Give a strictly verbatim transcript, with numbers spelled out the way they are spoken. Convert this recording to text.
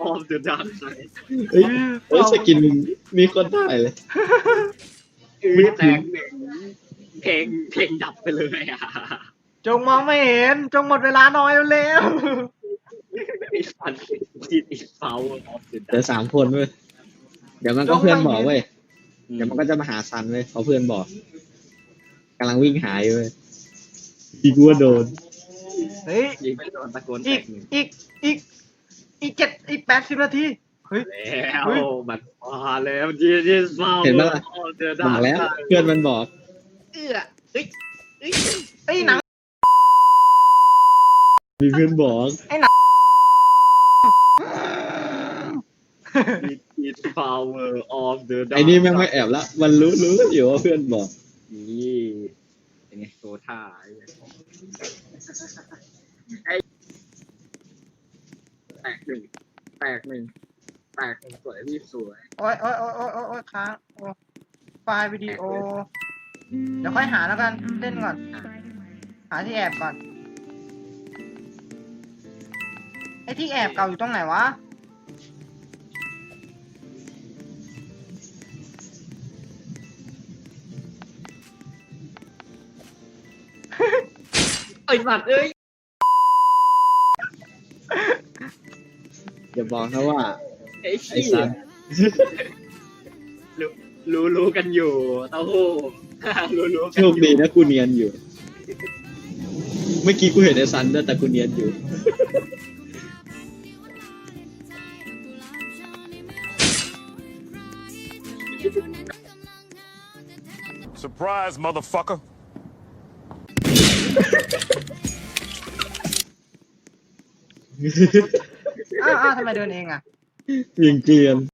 of the dark side เฮ้ยเฮ้ยสกินมีคนได้เลยอือแตกหนึ่งเพลงเพลงดับไปเลยอ่ะจงมองไม่เห็นจงหมดเวลาน้อยแล้วแล้วไอ้สันจิตอิสเฟลออฟเดอะเดี๋ยวสามคนเว้ยเดี๋ยวมันก็เพื่อนบอกเว้ยเดี๋ยวมันก็จะมาหาซันเว้ยเพราะเพื่อนบอกกำลังวิ่งหายเว้ยอีกว่าโดนเฮ้ยยิงไม่โดนตะโกนแตอีกกหนึ่งอีกอีกอีกเจ็ดอีกแปดสิบนาทีเฮ้ยแล้วเฮ้ยมันมาแล้วจิตอิสเฟลเห็นปะล่ะออฟเดอะบดาอกร์แล้วกเพื่อนมันบอกเอื้อเอ้ยเอ้ยไอ้ยหนังมีเพื่อนบอกจิตอิสเฟลออฟเดอะดาร์กไอ้นี่แม่งไม่แอบละมันรู้รู้อยู่ว่าเพื่อนบอกนี่เป็นไงโซท่าไอ้เหี้ยไอ้แตกหนึ่งแตกหนึ่งแตกหนึ่งสวยพี่สวยโอ้ยโอ้ยโอ้ยโอ้ยโอ้ยโอ้ยค้างโอ้ไฟล์วิดีโอ เดี๋ยวค่อยหาแล้วกันเล่นก่อน หาที่แอบก่อนไอ้ที่แอบเก่าอยู่ตรงไหนวะไอ้สัตว์เอ้ยอย่าบอกนะว่าไอ้ไอ้ขี้ซันรู้รู้รู้กันอยู่เต้าหู้ รู้รู้กันโชคดีนะกูเนียนอยู่ เมื่อกี้กูเห็นไอ้ซันด้วยแต่กูเนียนอยู่ Surprise, motherfucker. อ้าวอ้าวทำไมเดินเองอ่ะยิงเกลียน